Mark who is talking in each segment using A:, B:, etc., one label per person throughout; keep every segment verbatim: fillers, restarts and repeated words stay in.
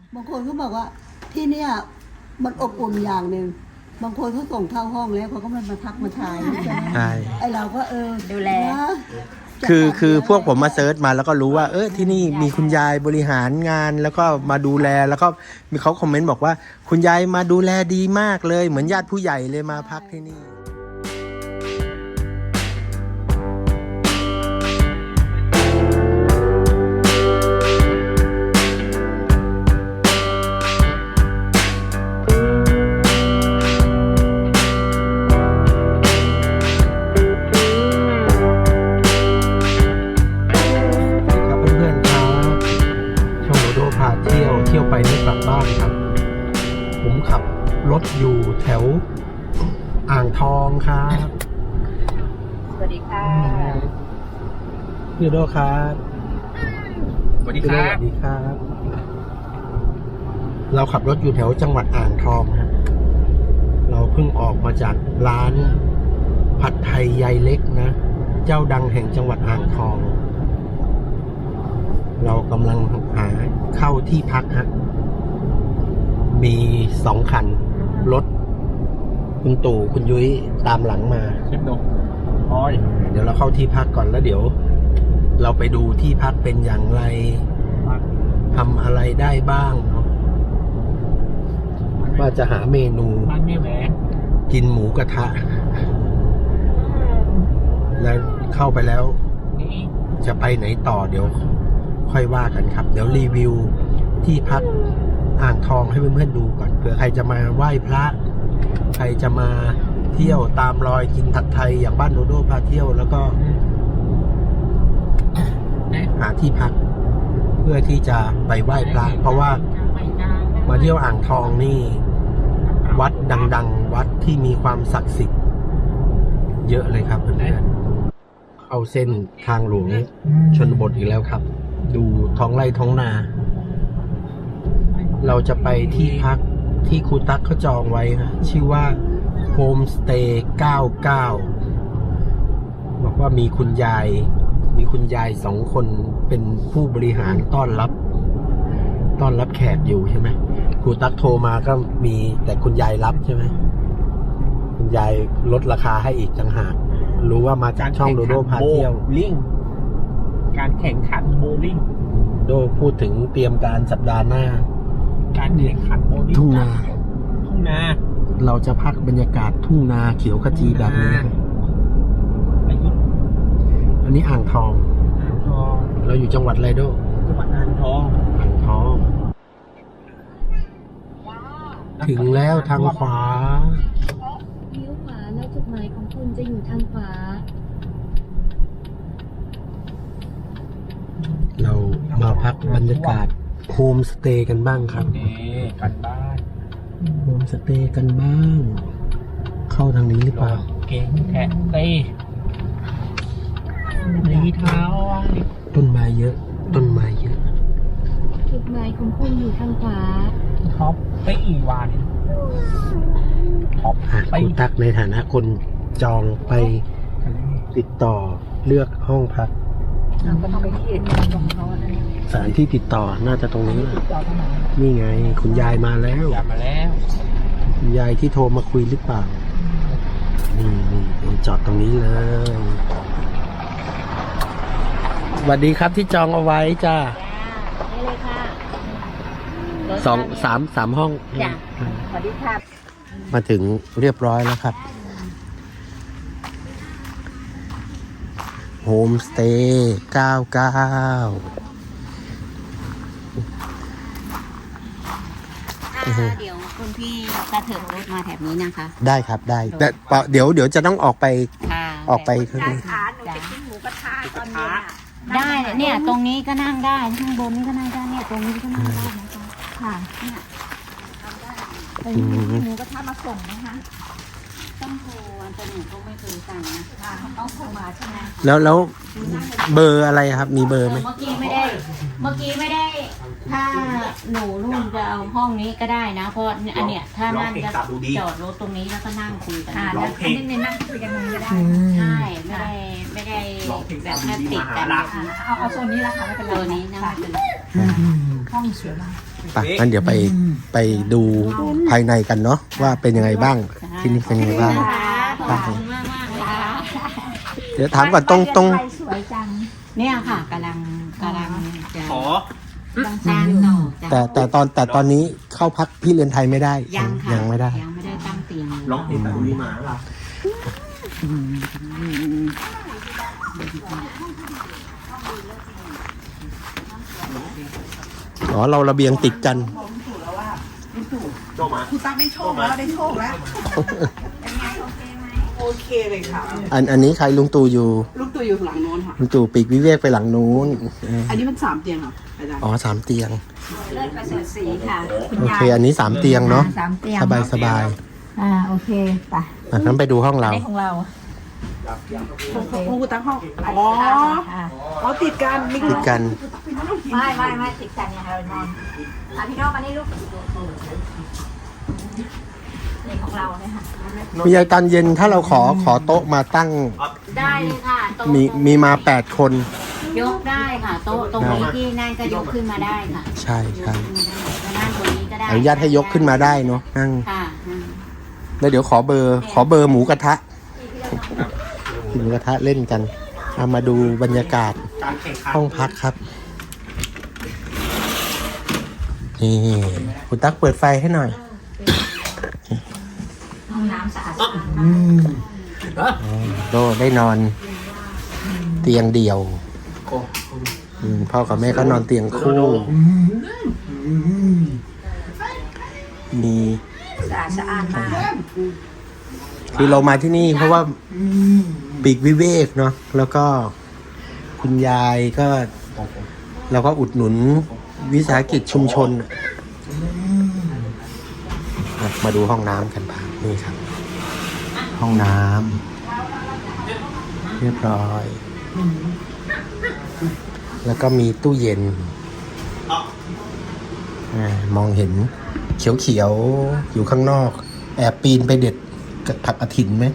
A: บางคนเขาบอกว่าที่เนี่ยมันอบอุ่นอย่างหนึ่งบางคนเขาส่งเข้าห้องแล้วเขาก็มามาทักมาทายใช่ไหม
B: ใช่
A: ไอเราก็เออ
C: ดูแล
A: นะ
B: คือคือพวกผมมาเซิร์ชมาแล้วก็รู้ว่าเออที่นี่มีคุณยายบริหารงานแล้วก็มาดูแลแล้วก็มีเขาคอมเมนต์บอกว่าคุณยายมาดูแลดีมากเลยเหมือนญาติผู้ใหญ่เลยมาพักที่นี่เที่ยวไปไม่กลับบ้านครับผมขับรถอยู่แถวอ่างทองครับ
C: สวัสดีค่ะ
B: พี่โดครับ
D: สวัสดีครับ
B: สวัสดีครับ เราขับรถอยู่แถวจังหวัดอ่างทองครับเราเพิ่งออกมาจากร้านผัดไทยยายเล็กนะเจ้าดังแห่งจังหวัดอ่างทองเรากำลังหาเข้าที่พักฮะมีสองคันรถคุณตู่คุณยุ้ยตามหลังมา
D: เชฟดงออย
B: เดี๋ยวเราเข้าที่พักก่อนแล้วเดี๋ยว เราไปดูที่พักเป็นอย่างไรทำอะไรได้บ้างเนาะว่าจะหาเมนู
D: บ้านแม่แหวน
B: กินหมูกระทะแล้วเข้าไปแล้ว
D: นี่
B: จะไปไหนต่อเดี๋ยวค่อยว่ากันครับเดี๋ยวรีวิวที่พักอ่างทองให้เพื่อนๆดูก่อนเผื่อใครจะมาไหว้พระใครจะมาเที่ยวตามรอยกินผัดไทยอย่างบ้านโดโดพาเที่ยวแล้วก็หาที่พักเพื่อที่จะไปไหว้พระเพราะว่ามาเที่ยวอ่างทองนี่วัดดังๆวัดที่มีความศักดิ์สิทธิ์เยอะเลยครับเพื่อนๆเข้าเส้นทางหลวงชนบทอีกแล้วครับดูท้องไร่ท้องนาเราจะไปที่พักที่ครูตั๊กเขาจองไว้นะชื่อว่าโฮมสเตย์เก้าเก้าบอกว่ามีคุณยายมีคุณยายสองคนเป็นผู้บริหารต้อนรับต้อนรับแขกอยู่ใช่ไหมครูตั๊กโทรมาก็มีแต่คุณยายรับใช่ไหมคุณยายลดราคาให้อีกต่างหากรู้ว่ามาจากช่องโดโดพาเที่ยว
D: ลิงการแข่งขันโบลิ่ง
B: โดพูดถึงเตรียมการสัปดาห์หน้า
D: การแข่งขันโบลิ่ง
B: ทุ่งนา
D: ทุ่งนา
B: เราจะพักบรรยากาศทุ่งนาเขียวขจีแบบนี้อันนี้อ่างทอง
D: อ่างทอง
B: เราอยู่จังหวัดอะไรโด
D: จังหวัดอ่างทอง
B: อ่างทองถึงแล้วทางขวา
C: เลี้ยวขวาแล้วจุดหมายของคุณจะอยู่ทางขวา
B: เรามาพักบรรยากาศโฮมสเตย์กันบ้างครับ
D: กันบ้าน
B: โฮมสเตย์กันบ้างเข้าทางนี้หรือเปล่า
D: เก่งแค่เต้มีเท้า
B: ต้นไม้เยอะต้นไม้เยอะ
C: จุดหมายของคุณอยู่ทางขวา
D: ท็อปไปอีวาน
B: ท็อปไปคุณตักในฐานะคนจองไปติดต่อเลือกห้องพัก
C: ก็ต้องไปที่อื่นของเขา
B: สถานที่ติดต่อน่าจะตรงนี้นี่ไงคุณยายมาแล้ว
D: ยายมาแล้ว
B: คุณยายที่โทรมาคุยหรือเปล่านี่นี่จอดตรงนี้เลยสวัสดีครับที่จองเอาไว้จ้า
C: นี่เลยค่ะ
B: สองสามสามห้อง
C: จ้ะสวัสดีค่ะ
B: มาถึงเรียบร้อยแล้วครับโฮมสเตย์เก้าเก้า
C: เดี๋ยวคุณพี่กระเถิบรถมาแถบนี้นะคะ
B: ได้ครับได้แต่เดี๋ยวเดี๋ยวจะต้องออกไปออกไป
C: ข้างนอกหนูจะกินหมูกระทะตอนนี้ได้เนี่ยตรงนี้ก็นั่งได้ข้างบนนี้ก็นั่งได้เนี่ยตรงนี้ก็นั่งได้นะคะค่ะเนี่ยทำได้ตรงนี้หมูกระทะมาส่งนะคะต้องโทรวันแต่หนูก็ไม่เคยสั่งนะต้องโทรมาใช่ไหม
B: แล้วแล้วเบอร์อะไรครับมีเบอร์ไหม
C: เมื่อกี้ไม่ได้เมื่อกี้ไม่ได้ถ้าหนูรุ่นจะเอาห้องนี้ก็ได้นะเพราะอันเนี้ยถ้านั่นจะจอดรถตรงนี้แล้วก็นั่งคุยกัน
D: ร้องเพลง
C: นี่นั่งคุยกันตรงนี้ก็ได้ใช่ไม่ได้ไม่ได้แบบแค่ติดกัน
D: เอาเอาโซนนี้ละค่ะไม่เป็นไร
C: โซนนี้นะ
D: ห้องสวยมาก
B: ไปงั้นเดี๋ยวไปไปดูภายในกันเนาะว่าเป็นยังไงบ้างที่นี่เป็นยังไงบ้าง
C: ขอบคุณมากมากๆค่ะ
B: เดี๋ยวถามก่อนตรงตรง
C: สวยจังเนี่ยค่ะกำลังกำลังจะ
D: ขอ
C: ต้องสร้างต่อจ้ะ
B: แต่แต่ตอนแต่ตอนนี้เข้าพักพี่เรือนไทยไม่ได้
C: ยังค่ะ
B: ยังไม่ได้
C: ยังไม่ได้ตั้งเตียงเลย
D: ลองเห็นตุลีมาหรอ
B: อ๋อเราระเบียงติดกัน
E: คุณตั๊กได้โชคแล้วได้โชคแล้ว โอเคเลยค่ะ
B: อันอันนี้ใครลุงตู่อยู่
E: ลูกตัวอยู่หลังโน้นค่ะ
B: ลุงตู่ปีกวิเวกไปหลังนู้นเออ
E: อันนี้มันสามเตียงเหรออาจารย์
B: อ๋อสามเตียง
C: เลิศประเสริฐศรีค่ะคุณ
B: โอย เค อันนี้สามเตียงเนาะ
C: สามเตียง
B: สบายสบาย
C: อ่าโอเคไป
B: อ่ะงั้นไปดูห้องเรา
C: ได้ของเรา
E: ห้องคุณตั๊กห้อง อ๋อ
C: ค่ะ
E: อ๋อติดกันนี่
B: ติดกัน
C: ไม่ไม่ไม่ติดกันเนี่ยเรานอนอ่ะพี่โน้องมานี่ลูกนี่ของเราเนี่ยค่ะ
B: มีตอนเย็นถ้าเราขอขอโต๊ะมาตั้ง
C: ได้เลยค่ะโต๊ะ
B: มีมีมาแปดคน
C: ยกได้ค่ะโต๊ะตรงนี้ที่นั่นก็ยกขึ้นมาได้ค่ะ
B: ใช่ใช่
C: ยกขึ้นมาได้ก็นั่งตรงนี้ก็ได้
B: อนุญาตให้ยกขึ้นมาได้เนาะนั่ง
C: ค่ะอืม
B: แล้วเดี๋ยวขอเบอร์ ขอเบอร์หมูกระทะหมูกระทะเล่นกันเอามาดูบรรยากาศ
D: การแข่งขัน
B: ห้องพักครับ นี่คุณตั๊กเปิดไฟให้หน่อย
C: ห้องน้ำสะอาด
B: อ๋อโดได้นอนเตียงเดี่ยวอืมพ่อกับแม่ก็นอนเตียงคู่ มี
C: สะอาดสะอาดมาก
B: คือเรามาที่นี่เพราะว่าปีกวิเวกเนาะแล้วก็คุณยายก็เราก็อุดหนุนวิสาหกิจชุมชนอ่ะมาดูห้องน้ำกันบ้างนี่ครับ ห้องน้ำเรียบร้อย แล้วก็มีตู้เย็นอามองเห็นเขียวๆอยู่ข้างนอก แอบปีนไปเด็ดกับผักกระถินไหม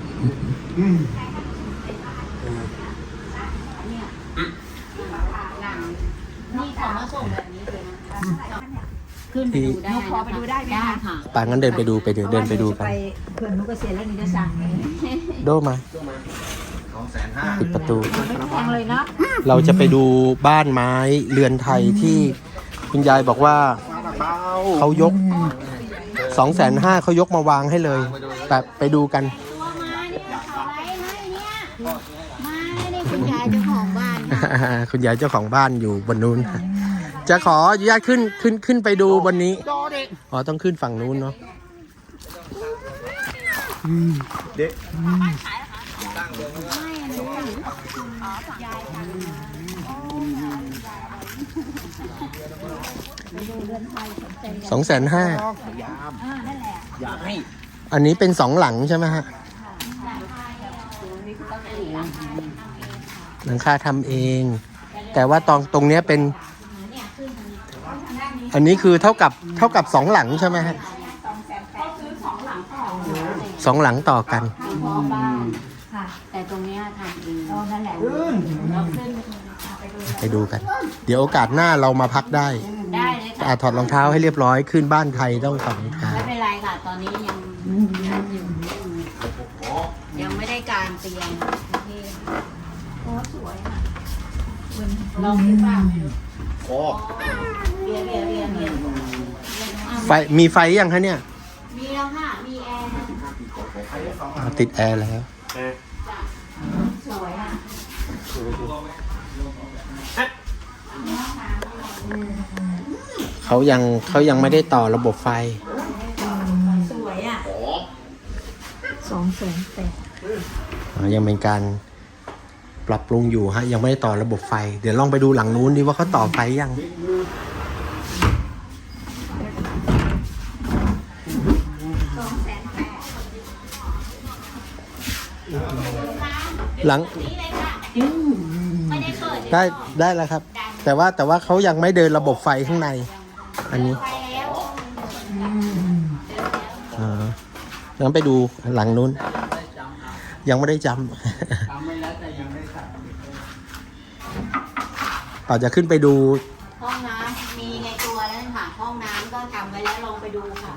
C: นี่ของมาส่งแบบนี้เลยนะคะขึ้นไปดูได้พอไปดูได้ไหมได้ค่ะ
B: ปางั้นเดินไปดูไปเดี๋ยวเดินไปดูกัน
C: ไปเขื่อนนุกเกษตรแล้วนี่จะสั่งเลย
B: โดมาปิดประตู
C: ไม่แพงเลยเนาะ
B: เราจะไปดูบ้านไม้เรือนไทยที่คุณยายบอกว่าเขายกสองแสนห้าเขายกมาวางให้เลยแบบไปดูกัน
C: ตัวมาเนี่ยเขาไว้ให้เนี่ยมาเนี่ยคุณยายเจ้าของบ้านนะ
B: คุณยายเจ้าของบ้านอยู่บนนู้น จะขออนุญาตขึ้นขึ้นขึ้นไปดูบนนี้ อ๋อต้องขึ้นฝั่งนู้นเนาะสองแสนห้า
D: อยากให้
B: อันนี้เป็นสองหลังใช่ไหมฮะ หลังคาทำเอง แต่ว่าตรงตรงเนี้ยเป็น อันนี้คือเท่ากับเท่ากับสองหลังใช่ไหมฮะสองหลังต่อกัน
C: พอบ้านค่ะ แต่ตรงเนี้ยทำเองอ๋อนั่นแหละเราขึ้นไปดู
B: ไปดูกัน เดี๋ยวโอกาสหน้าเรามาพักได้
C: ได้เลยค่ะ
B: อ่ะถอดรองเท้าให้เรียบร้อยขึ้นบ้านไทยต้องถอดรองเท้า
C: ไม่เป็นไรค่ะ ตอนนี้ยังยังอยู่ยังไม่ได้การเตียงที่โอ้สวยอ่ะลองดูป่ะ
D: โอ้
C: เรียนเรียนเรียนเรียน
B: ไฟมีไฟยังคะเนี่ย
C: มีแล้วค่ะ มีแอร์
B: อ่ะติดแอร์แล้ว
C: สวยอ่ะ
B: เขายังเขายังไม่ได้ต่อระบบไฟ
C: สวยอ่ะสองแสนแปด
B: อ่ายังเป็นการปรับปรุงอยู่ฮะยังไม่ได้ต่อระบบไฟ เดี๋ยวลองไปดูหลังนู้นดิว่าเขาต่อไฟยังหลัง
C: ไม่ได้เปิด
B: ได้ได้แล้วครับ แต่ว่าแต่ว่าเขายังไม่เดินระบบไฟข้างใน อันนี้
C: ไปแล้ว
B: อ่างั้นไปดูหลังนู้น ยังไม่ได้จำ เราจะขึ้นไปดู
C: ห้องน้ำมีในตัวแล้วค่ะห้องก็ทำไว้แล้วลองไปดูค่ะ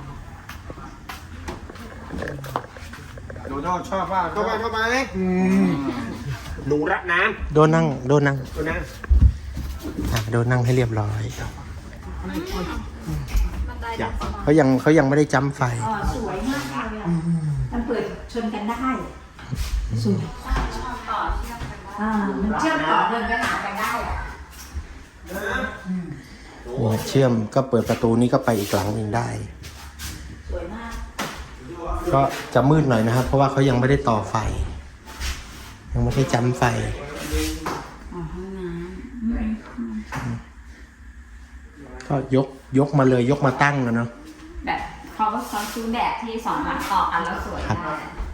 D: โดนัลชอบว่าเข้าไปเข้าไปหนูรักน้
B: โดนนั่งโดนนั่ง
D: ำตัวนั้น
B: อ่ะโดนนั่งให้เรียบร้อย
D: อยาก
B: เขายังเขายังไม่ได้จ้ำไฟ
C: อ๋อสวยมากเลยอ่ะมันเปิดชนกันได้สวยอ่ามันเชื่อมต่อเดินไปหากันได้อ่ะ
B: เนี่ยเชื่อมก็เปิดประตูนี้ก็ไปอีกหลังหนึ่งได้
C: สวยมาก
B: ก็จะมืดหน่อยนะครับ เพราะว่าเขายังไม่ได้ต่อไฟ ยังไม่ได้จ้ำไฟ
C: อ๋อห้องน้
B: ก็ยกยกมาเลยยกมาตั้งแล้วเนาะ
C: ำแบบเขาก็ซ้อนซื้อแบบที่สองหลังต่อกันแล้วสวย
B: ครับ
C: ได้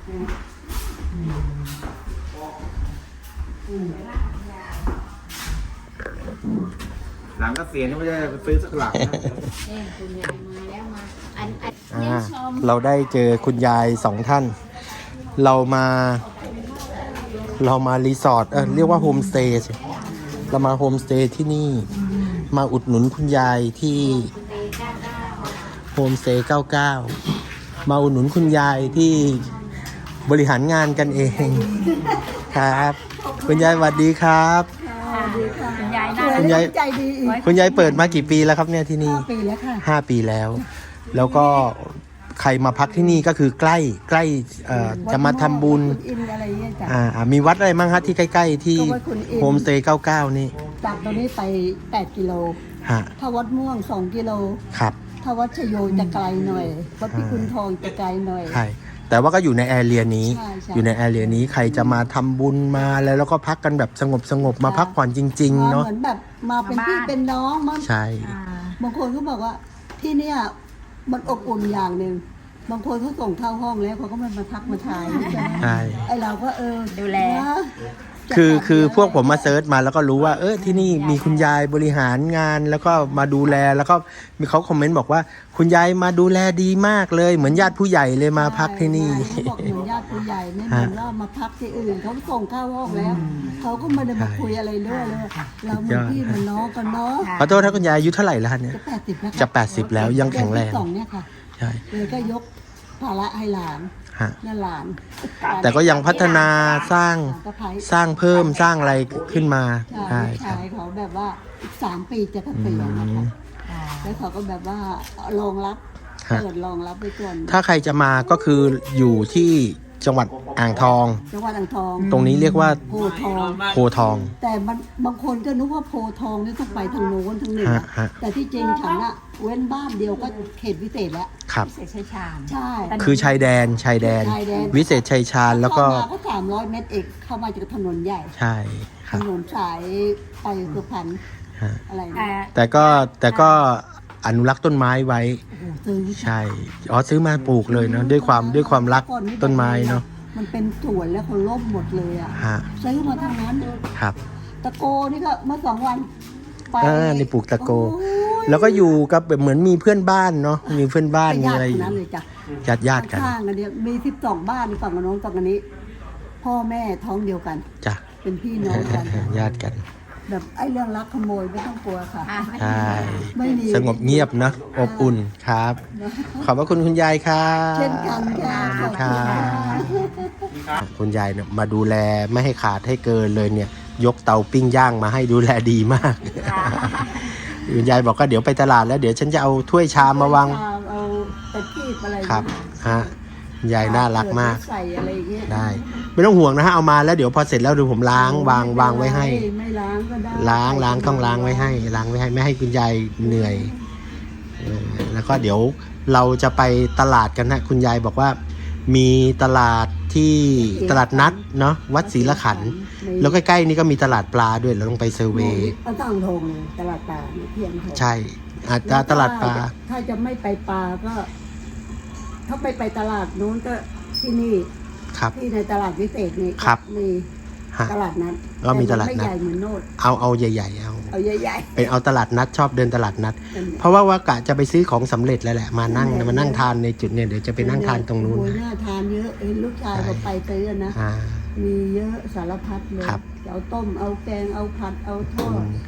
D: หลังก็เสียนี่ไม่ได้ซื้อสักหลังนะ
C: นี่คุณยายมาแล้วมาอันอัน
B: อ่า
C: เยี่ยมชม
B: เราได้เจอคุณยายสองท่าน เรามา เรามารีสอร์ทเออเรียกว่าโฮมสเตย์สิเรามาโฮมสเตย์ที่นี่ มาอุดหนุนคุณยายที่โฮมสเตย์เก้าเก้ามาอุดหนุนคุณยายที่บริหารงานกันเองครับ คุณยายสวัสดีครับ
C: คุณยาย
A: ส
C: น่า
A: วย
B: คุณ
A: และ
B: ยาย
A: ใจดีอีก
B: คุณยายเปิดมากี่ปีแล้วครับเนี่ยที่นี่
A: ห้าปีแล้วค่ะ
B: ห้าปีแล้ว แล้วก็ใครมาพักที่นี่ก็คือใกล้ใกล้เอ่อจะมาทำบุญ
A: วัดม่วงวัดขุนอินทร์อะไรเงี้ยจ้ะ
B: อ่าอ่ามีวัดอะไรบ้างฮะที่ใกล้ๆที่
A: ก็วัดขุนอินทร์
B: โฮมสเตย์เก้าเก้านี่
A: จากตรงนี้ไปแปดกิโล
B: ฮะ
A: ถ้าวัดม่วงสองกิโล
B: ครับ
A: ถ้าวัดชโยจะไกลหน่อย วัดพิกุลทองจะไกลหน่อย
B: ใช่แต่ว่าก็อยู่ในแอเรียนี้
A: ใช่ใช่
B: อยู่ในแอเรียนี้ใครจะมาทำบุญมาแล้วแล้วก็พักกันแบบสงบสงบๆมาพักผ่อนจริง ๆ
A: มา
B: เนาะ
A: เหมือนแบบมาเป็นพี่เป็นน้องมา
B: ใช่
C: อ่า
A: บางคนก็บอกว่าที่เนี่ยมันอบอุ่นอย่างหนึ่งบางคนเขาส่งเข้าห้องแล้วเขาก็มามาทักมาทายใช่ไหม
B: ใช่
A: ไอเราก็เออ
C: ดูแล
A: นะ
B: คือคือพวกผมมาเซิร์ชมาแล้วก็รู้ว่าเออที่นี่มีคุณยายบริหารงานแล้วก็มาดูแลแล้วก็มีเขาคอมเมนต์บอกว่าคุณยายมาดูแลดีมากเลยเหมือนญาติผู้ใหญ่เลยมาพักที่นี่
A: เขาบอกเหมือนญาติผู้ใหญ่ไม่เหมือนว่ามาพักที่อื่นเขาส่งเข้าห้องแล้วเขาก็ไม่ได้มาคุยอะไรด้วยเลยเราเหมือนพี่เหมือนน้องกันเนาะ
B: ขอโทษถ้าคุณยายอายุเท่าไหร่แล้วเนี่ย
A: จะแปดสิบแล้วค่
B: จะแปดสิบแล้วยังแข็งแรง
A: เดือนที่สองเนี่ยค่ะ
B: ใช่
A: เลยก็ยกภาระให้หลาน
B: ฮะ
A: นั่นหลาน
B: แต่ก็ยังพัฒนาสร้าง
A: หลานสะใภ้
B: สร้างเพิ่มสร้างอะไรขึ้นมา
A: ใช่
B: ใช่ครับ
A: ชายเขาแบบว่าอีกสามปีจะเกษียณนะคะแล้วเขาก็แบบว่ารองรับ
B: ฮะ
A: เปิดรองรับไว้ก่อน
B: ถ้าใครจะมาก็คืออยู่ที่จังหวัดอ่างทอง
A: จังหวัดอ่างทอง
B: ตรงนี้เรียกว่า
A: โพธิ์ทอง
B: โพทอง
A: แต่มันบางคนก็นึกว่าโพธิ์ทองนี่ต้องไปทางโน้นทางเหนือ
B: ฮะฮะ
A: แต่ที่จริงฉันอะเว้นบ้านเดียวก็เขตวิเศษแล้ว
B: ครับ
C: เสกชัยชาญ
A: ใช่
B: คือชายแดนชายแดน
A: ชายแดน
B: วิเศษชัยชาญแล้วก็
A: เข้ามาก็สามร้อยเมตรเองเข้ามาจากถนนใหญ่
B: ใช่ค
A: ถ
B: รับ
A: นนสายไปสุพรรณ
B: ฮะ
A: อะไร
C: แต่
A: นะ
B: แต่ก็แต่ก็อนุรักษ์ต้นไม้ไว้
A: โอ้โหซื้อ
B: ใช่อ๋อซื้อมาปลูกเลยเนาะด้วยความด้วยความรักต้นไม้เนาะ
A: มันเป็นสวนแล้วเขาล่มหมดเลยอ่ะ
B: ฮะ
A: ซื้อมาทั้งนั้น
B: ครับ
A: ตะโกนี่ก็เมื่อสองวันไป
B: อ่านี่ปลูกตะโก
A: โอ้ย
B: แล้วก็อยู่กับแบบเหมือนมีเพื่อนบ้านเนาะมีเพื่อนบ้านมี
A: ญา
B: อะไร
A: ติ
B: อ
A: ทั้ง
B: ยู่
A: นั้นเลยจ้ะ
B: ญาติญาติกัน
A: ข้างๆกันเนี่ยมีสิบสองบ้านในฝั่งกับน้องฝั่งกันนี้ พ่อแม่ท้องเดียวกัน
B: จ้ะ
A: เป็นพี่น้องกัน
B: ญาติกัน
A: แบบไอ้เรื่องรักขโมยไม่ต้องกลัวค่ะ
C: อ่ะ
B: ใช่
A: ไม่มี
B: สงบเงียบเนาะอบอุ่นครับ ขอบพระคุณคุณยายครับ
A: เช่นกันค่ะขอบ
B: ค
A: คุณ
B: รั
A: ค่ะ
B: บคุณยายเนี่ยมาดูแลไม่ให้ขาดให้เกินเลยเนี่ย ยกเตาปิ้งย่างมาให้ดูแลดีมาก คุณยายบอกว่าเดี๋ยวไปตลาดแล้วเดี๋ยวฉันจะเอาถ้วยชามมาวาง
A: เอาตะกีบอะไร
B: ครับฮะคุณยายน่ารักมาก
A: ใส่อะไรอย่างเงี้ย
B: ได้ ไม่ต้องห่วงนะฮะเอามาแล้วเดี๋ยวพอเสร็จแล้วเดี๋ยวผมล้างวางวางไว้ให้
A: ไม่ล้างก็ได้
B: ล้างล้างต้องล้างไว้ให้ล้างไว้ให้ไม่ให้คุณยายเหนื่อยเออแล้วก็เดี๋ยวเราจะไปตลาดกันนะคุณยายบอกว่า มีตลาดที่ตลาดนัดเนาะวัดศรีละขันธ์แล้วใกล้ๆนี่ก็มีตลาดปลาด้วยเราต้องไปเซอร์เวย์
A: ก็ต้องทงเลยตลาดปลาเนี่ยเพียงพอ
B: ใช่อาจจะตลาดปลา
A: ถ้าจะไม่ไปปลาก็ ถ้าไปไปตลาดนู้นก็ที่นี่
B: ครับ
A: ที่ในตลาดวิเศษนี่
B: ครับ
A: มี
B: ฮะ
A: ตลาดนัด
B: ก็มีตลาดนัด
A: แต่มันไม่ใหญ่เหมือนโนด
B: เอาเอาใหญ่ๆเอา
A: เอาใหญ่
B: เป็นเอาตลาดนัดชอบเดินตลาดนัด
A: ๆเป็น
B: เพราะว่าว่ากะจะไปซื้อของสำเร็จแล้วแหละมานั่งมานั่งทานในจุดเนี่ยเดี๋ยวจะไปนั่งทานตรงนู้น
A: โอ้ยน่าทานเยอะเห็นลูกชายก็ไปซื้อนะ
B: อ่า
A: มีเยอะสารพัดเลย
B: ครับ
A: เอาต้มเอาแกงเอาผัดเอาทอด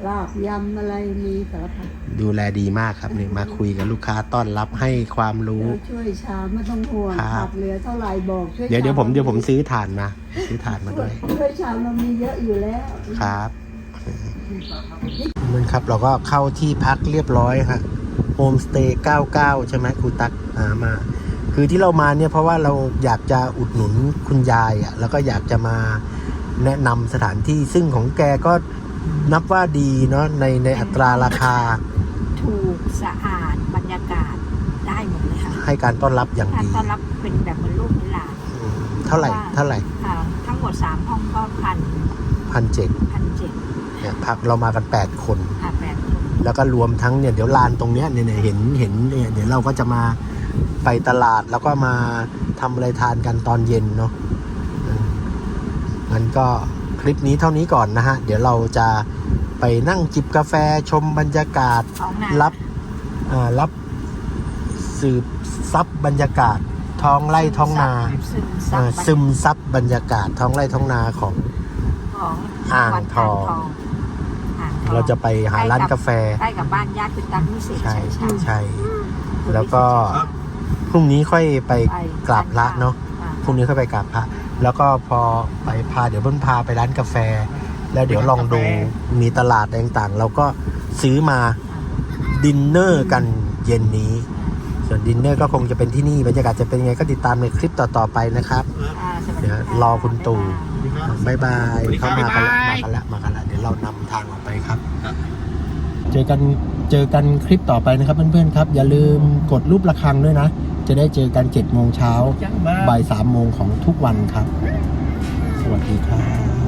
A: ลาบยำอะไรมีสารพัด
B: ดูแลดีมากครับนี่มาคุยกับลูกค้าต้อนรับให้ความรู้
A: เราช่วยชามไม่ต้องห่วง
B: ครับ
A: ขาดเหลือเท่าไหร่บอกช่วย
B: เดี๋ยวเดี๋ยวผม
A: ชา
B: เดี๋ยวผมซื้อถ่านมาซื้อถ่านมาด้วย
A: ช่วยชามเรามีเยอะอยู่แล้ว
B: ครับนั่นครับเราก็เข้าที่พักเรียบร้อยฮะโฮมสเตย์เก้าเก้าใช่ไหมครูตักหามา คือที่เรามาเนี่ยเพราะว่าเราอยากจะอุดหนุนคุณยายอ่ะแล้วก็อยากจะมาแนะนำสถานที่ซึ่งของแกก็นับว่าดีเนาะในในอัตราราคา
C: ถูกสะอาดบรรยากาศได้หมดเลยค่ะ
B: ให้การต้อนรับอย่าง
C: การ
B: ดี
C: ต้อนรับเป็นแบบเหมือนลูกเหมือนหลาน
B: อืมเท่าไหร่เท่าไหร่
C: ค่ะทั้งหมดสามห้องก็พัน
B: พันเจ็ด
C: พันเจ็ด
B: เนี่ยพักเรามากันแปดคน
C: ค่ะแปดคน
B: แล้วก็รวมทั้งเนี่ยเดี๋ยวลานตรงเนี้ยเนี่ยเนี่ยเห็นเห็นเนี่ยเดี๋ยวเราก็จะมาไปตลาดแล้วก็มาทำอะไรทานกันตอนเย็นเนาะอืมงั้นก็คลิปนี้เท่านี้ก่อนนะฮะ เดี๋ยวเราจะไปนั่งจิบกาแฟชมบรรยากาศ
C: ท้องนา
B: รับอ่ารับสืบซับบรรยากาศท้องไร่ท้องนา
C: ซึมซั
B: อ่า
C: บ
B: ซึมซับบรรยากาศท้องไร่ท้องนาของ
C: ของ
B: อ่าง
C: วัด
B: ทอง
C: อ่างทอง
B: เราจะไปหาร้านกาแฟ
C: ใกล้กับบ้านญาติคุณตั๊กนิสิต
B: ใช่
C: ใช่ใช่
B: ใช่ แล้วก็พรุ่งนี้ค่อยไป
C: ไป
B: กราบพระเนาะ
C: อ่
B: พรุ่งนี้ค่อยไปกราบพระ แล้วก็พอไปพาเดี๋ยวเพิ่นพาไปร้านกาแฟ แล้วเดี๋ยวลองดูมีตลาดอะไรต่างๆ เราก็ซื้อมาดินเนอร์กันเย็นนี้ ส่วนดินเนอร์ก็คงจะเป็นที่นี่บรรยากาศจะเป็นยังไงก็ติดตามในคลิปต่อๆไปนะครับ
C: อ่าสวัส
B: เดี๋ยว
C: ค่ะ
B: รอคุณตู่บายบาย
D: สวัสดีครั
B: เขา
D: บ
B: มากันละ
D: บ๊ายบาย
B: มากันละมากันละเดี๋ยวเรานำทางออกไปครับ เจอกันเจอกันคลิปต่อไปนะครับเพื่อนๆครับ อย่าลืมกดรูประฆังด้วยนะ จะได้เจอกันเจ็ดโมงเช้าบ่ายสามโมงของทุกวันครับ สวัสดีครับ